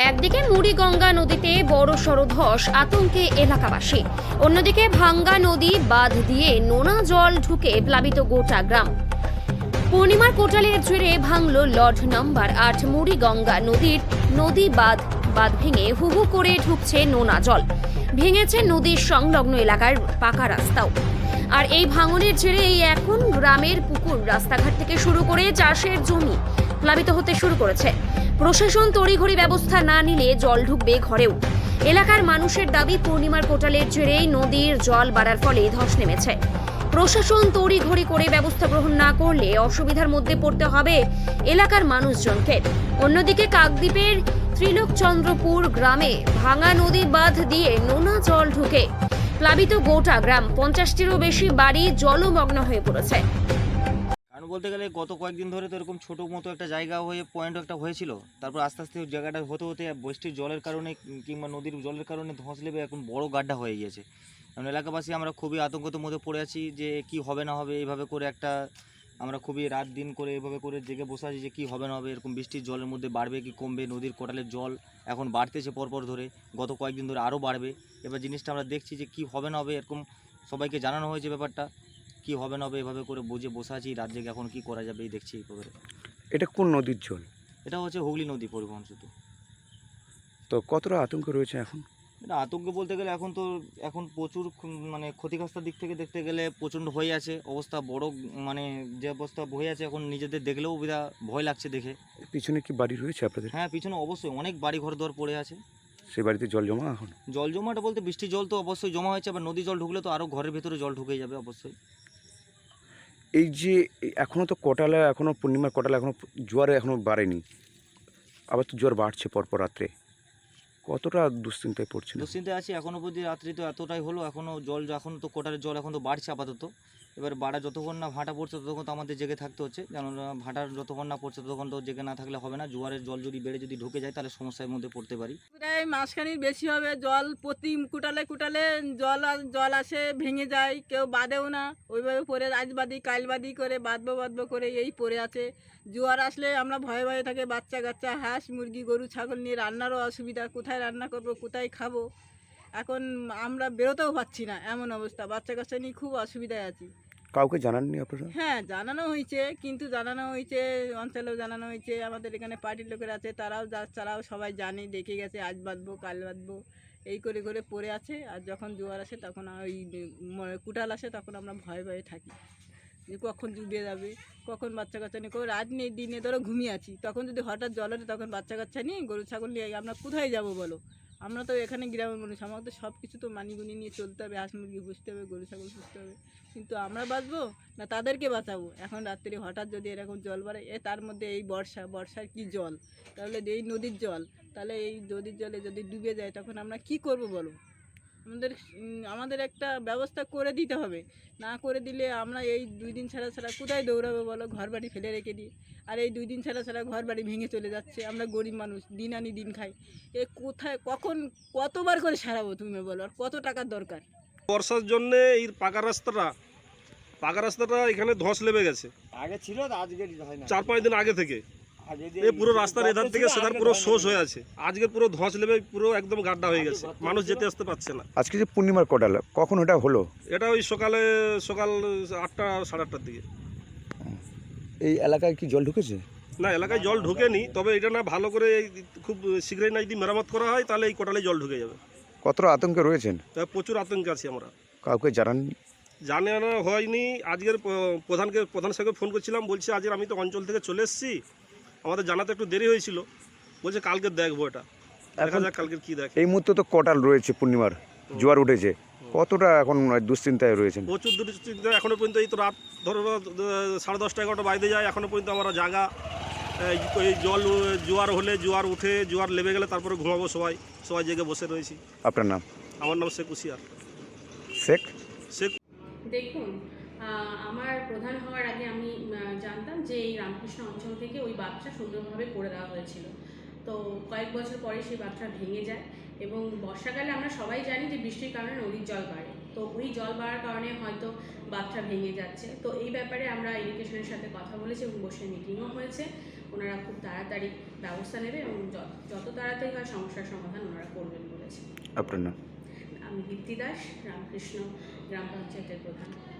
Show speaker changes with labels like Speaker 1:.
Speaker 1: একদিকে মুড়িগঙ্গা নদীতে বড়সড় ধস, আতঙ্কে এলাকাবাসী। অন্যদিকে ভাঙ্গা নদী বাঁধ দিয়ে নোনা জল ঢুকে প্লাবিত গোটা গ্রাম। পূর্ণিমার কোটালের জেরে ভাঙল লর্ড নাম্বার 8 মুড়িগঙ্গা নদীর নদী বাঁধ ভেঙে হুহু করে ঢুকছে নোনা জল। ভেঙেছে নদীর সংলগ্ন এলাকার পাকা রাস্তাও। আর এই ভাঙনের জেরে এখন গ্রামের পুকুর, রাস্তাঘাট থেকে শুরু করে চাষের জমি প্লাবিত হতে শুরু করেছে। প্রশাসন তড়িঘড়ি ব্যবস্থা না নিলে জল ঢুকবে ঘরেও। এলাকার মানুষের দাবি, পূর্ণিমার কোটালের জেরেই নদীর জল বাড়ার ফলে ধস নেমেছে। প্রশাসন তড়িঘড়ি করে ব্যবস্থা গ্রহণ না করলে অসুবিধার মধ্যে পড়তে হবে এলাকার মানুষজনকে। অন্যদিকে কাকদ্বীপের ত্রিলোকচন্দ্রপুর গ্রামে ভাঙা নদী বাঁধ দিয়ে নোনা জল ঢুকে প্লাবিত গোটা গ্রাম। 50টিরও বেশি বাড়ি জলমগ্ন হয়ে পড়েছে।
Speaker 2: কারণ বলতে গেলে গত কয়েকদিন ধরে তো এরকম ছোটো মতো একটা জায়গা হয়ে পয়েন্ট একটা হয়েছিল, তারপর আস্তে আস্তে জায়গাটা হতে হতে বৃষ্টির জলের কারণে কিংবা নদীর জলের কারণে ধস লেবে এখন বড় গাড্ডা হয়ে গিয়েছে। কারণ এলাকাবাসী আমরা খুবই আতঙ্কের মধ্যে পড়ে আছি যে কি হবে না হবে। এইভাবে করে একটা আমরা খুবই রাত দিন করে এইভাবে করে জেগে বসে আছি যে কি হবে না হবে। এরকম বৃষ্টির জলের মধ্যে বাড়বে কি কমবে, নদীর কোটালের জল এখন বাড়তেছে পরপর ধরে, গত কয়েকদিন ধরে আরও বাড়বে। এবার জিনিসটা আমরা দেখছি যে কি হবে না হবে। এরকম সবাইকে জানানো হয়েছে ব্যাপারটা, কি হবে না হবে এভাবে করে বুঝে বসে আছি রাত জেগে। এখন কি করা যাবে এই দেখছি এইভাবে।
Speaker 3: এটা কোন নদীর জল?
Speaker 2: এটা হচ্ছে হুগলি নদী পরিবহন সেতু।
Speaker 3: তো কতটা আতঙ্ক রয়েছে এখন?
Speaker 2: এটা আতঙ্ক বলতে গেলে এখন প্রচুর মানে ক্ষতিগ্রস্ত দিক থেকে দেখতে গেলে প্রচণ্ড হয়ে আছে অবস্থা। বড় মানে যে অবস্থা হয়ে আছে এখন নিজেদের দেখলেও ভয় লাগছে দেখে।
Speaker 3: পিছনে কি বাড়ি রয়েছে আপনাদের?
Speaker 2: হ্যাঁ, পিছনে অবশ্যই অনেক বাড়ি ঘর দর পড়ে আছে।
Speaker 3: সেই বাড়িতে জল জমা? এখন
Speaker 2: জল জমাটা বলতে বৃষ্টির জল তো অবশ্যই জমা হয়েছে, আবার নদী জল ঢুকলে তো আরও ঘরের ভেতরে জল ঢুকে যাবে অবশ্যই।
Speaker 3: এই যে এখনও তো কোটালে, এখনও পূর্ণিমার কোটালে এখনও জোয়ারে এখনও বাড়েনি, আবার তো জোয়ার বাড়ছে পরপর রাত্রে, কতটা দুশ্চিন্তায় পড়ছে?
Speaker 2: দুশ্চিন্তায় আছি এখনও পর্যন্ত। রাত্রি তো এতটাই হলো, এখনও জল এখন তো কোটালের জল এখন তো বাড়ছে আপাতত। এবার বাড়া যতক্ষণ না ভাটা পড়ছে ততক্ষণ তো আমাদের জেগে থাকতে হচ্ছে, কেননা ভাটার যতক্ষণ না পড়ছে ততক্ষণ তো জেগে না থাকলে হবে না। জোয়ারের জল যদি বেড়ে যদি ঢুকে যায় তাহলে সমস্যার মধ্যে পড়তে পারি।
Speaker 4: প্রায় মাসখানির বেশি হবে। জল প্রতি কুটালে কুটালে জল আসে, ভেঙে যায়, কেউ বাঁধেও না। ওইভাবে পরে আজ বাঁধি কাল বাঁধি করে বাঁধবো করে এই পড়ে আছে। জোয়ার আসলে আমরা ভয়ে ভয়ে থাকে, বাচ্চা কাচ্চা, হাঁস মুরগি গরু ছাগল নিয়ে রান্নারও অসুবিধা, কোথায় রান্না করব, কোথায় খাবো। এখন আমরা বেরোতেও পারছি না, এমন অবস্থা। বাচ্চা কাচ্চা নিয়ে খুব অসুবিধায় আছি।
Speaker 3: কাউকে জানাননি আপনারা?
Speaker 4: হ্যাঁ, জানানো হয়েছে, কিন্তু জানানো হয়েছে অঞ্চলেও জানানো হয়েছে। আমাদের এখানে পার্টির লোকের আছে, তারাও সবাই জানে, দেখে গেছে আজ বাঁধবো কাল বাঁধবো এই করে করে পড়ে আছে। আর যখন জোয়ার আসে তখন ওই কুটাল আসে তখন আমরা ভয়ে ভয়ে থাকি যে কখন ডুবে যাবে, কখন বাচ্চা কাচ্চা নিয়ে, রাত নেই দিনে ধরো ঘুমিয়ে আছি, তখন যদি হঠাৎ জল ওঠে তখন বাচ্চা কাচ্চা নিয়ে গরু ছাগল নিয়ে আমরা কোথায় যাব বলো? আমরা তো এখানে গ্রামের মানুষ, আমাদের তো সব কিছু তো মানিগুনি নিয়ে চলতে হবে, হাঁস মুরগি পুষতে হবে, গরু ছাগল পুষতে হবে। কিন্তু আমরা বাঁচবো না তাদেরকে বাঁচাবো? এখন রাত্রি হঠাৎ যদি এরকম জল বাড়ে, তার মধ্যে এই বর্ষার কি জল, তাহলে এই নদীর জল, তাহলে এই নদীর জলে যদি ডুবে যায় তখন আমরা কি করব বলো? আমাদের একটা ব্যবস্থা করে দিতে হবে। না করে দিলে আমরা এই 2 দিন ছাড়া কোথায় দৌড়াবো বলো? ঘর বাড়ি ফেলে রেখে দিই। আর এই 2 দিন ছাড়া ঘর বাড়ি ভেঙে চলে যাচ্ছে। আমরা গরিব মানুষ, দিন আনি দিন খাই। কোথায় কখন কতবার করে সারাবো তুমি বলো? আর কত টাকার দরকার?
Speaker 5: বর্ষার জন্য এই পাকা রাস্তাটা এখানে ধস লেবে গেছে।
Speaker 2: আগে ছিল, আজকে
Speaker 5: 4-5 দিন আগে থেকে এই পুরো রাস্তার এধার থেকে সেধার পুরো শোষ হয়ে আছে। আজকে পুরো ধস লেবে পুরো একদম গাড্ডা হয়ে গেছে, মানুষ যেতে আসতে পারছে না।
Speaker 3: আজকে যে পূর্ণিমার কোটাল, কখন ওটা হলো?
Speaker 5: এটা ওই সকাল 8টা 8:30টার দিকে।
Speaker 3: এই এলাকায় কি জল ঢুকেছে?
Speaker 5: না, এলাকায় জল ঢুকেনি, তবে এটা না ভালো করে খুব শীঘ্রই না যদি মেরামত করা হয় তাহলে এই কোটালে জল ঢুকে যাবে।
Speaker 3: কতটা আতঙ্কে রয়েছেন?
Speaker 5: তাই প্রচুর আতঙ্কে আছি আমরা।
Speaker 3: কাউকে জানাননি?
Speaker 5: জানানো হয়নি। আজকের প্রধান সাহেবকে ফোন করছিলাম, বলছে আজকের আমি তো অঞ্চল থেকে চলে এসেছি, আমাদের জানাতে একটু দেরি হয়েছিল, বলছে কালকে দেখবো। এটা দেখা যাক কালকে কি দেখে।
Speaker 3: এই মুহূর্তে তো কোটাল রয়েছে, পূর্ণিমার জোয়ার উঠেছে, কতটা এখন দুশ্চিন্তায় রয়েছেন?
Speaker 5: প্রচুর দুশ্চিন্তা এখনো পর্যন্ত। এই তো রাত ধরো 10:30 11টা বাজতে যায়, এখনো পর্যন্ত আমরা জাগা। এই জোয়ার হলে, জোয়ার উঠে, জোয়ার লেবে গেলে তারপরে ঘুমাবো সবাই জেগে বসে রয়েছি।
Speaker 3: আপনার নাম?
Speaker 5: আমার নাম শেখ হুসিয়ার।
Speaker 3: শেখ
Speaker 1: দেখুন, আমার প্রধান হওয়ার আগে আমি জানতাম যে এই রামকৃষ্ণ অঞ্চল থেকে ওই বাঁধটা সুন্দরভাবে করে দেওয়া হয়েছিল। তো কয়েক বছর পরে সেই বাঁধটা ভেঙে যায় এবং বর্ষাকালে আমরা সবাই জানি যে বৃষ্টির কারণে নদীর জল বাড়ে। তো ওই জল বাড়ার কারণে হয়তো বাঁধটা ভেঙে যাচ্ছে। তো এই ব্যাপারে আমরা ইরিগেশনের সাথে কথা বলেছি এবং বসে মিটিংও হয়েছে।
Speaker 6: ওনারা খুব তাড়াতাড়ি ব্যবস্থা নেবে এবং যত তাড়াতাড়ি হয় সমস্যার সমাধান ওনারা করবেন বলেছে।
Speaker 3: আপনার নাম?
Speaker 6: আমি দীপ্তি দাস, রামকৃষ্ণ গ্রাম পঞ্চায়েতের প্রধান।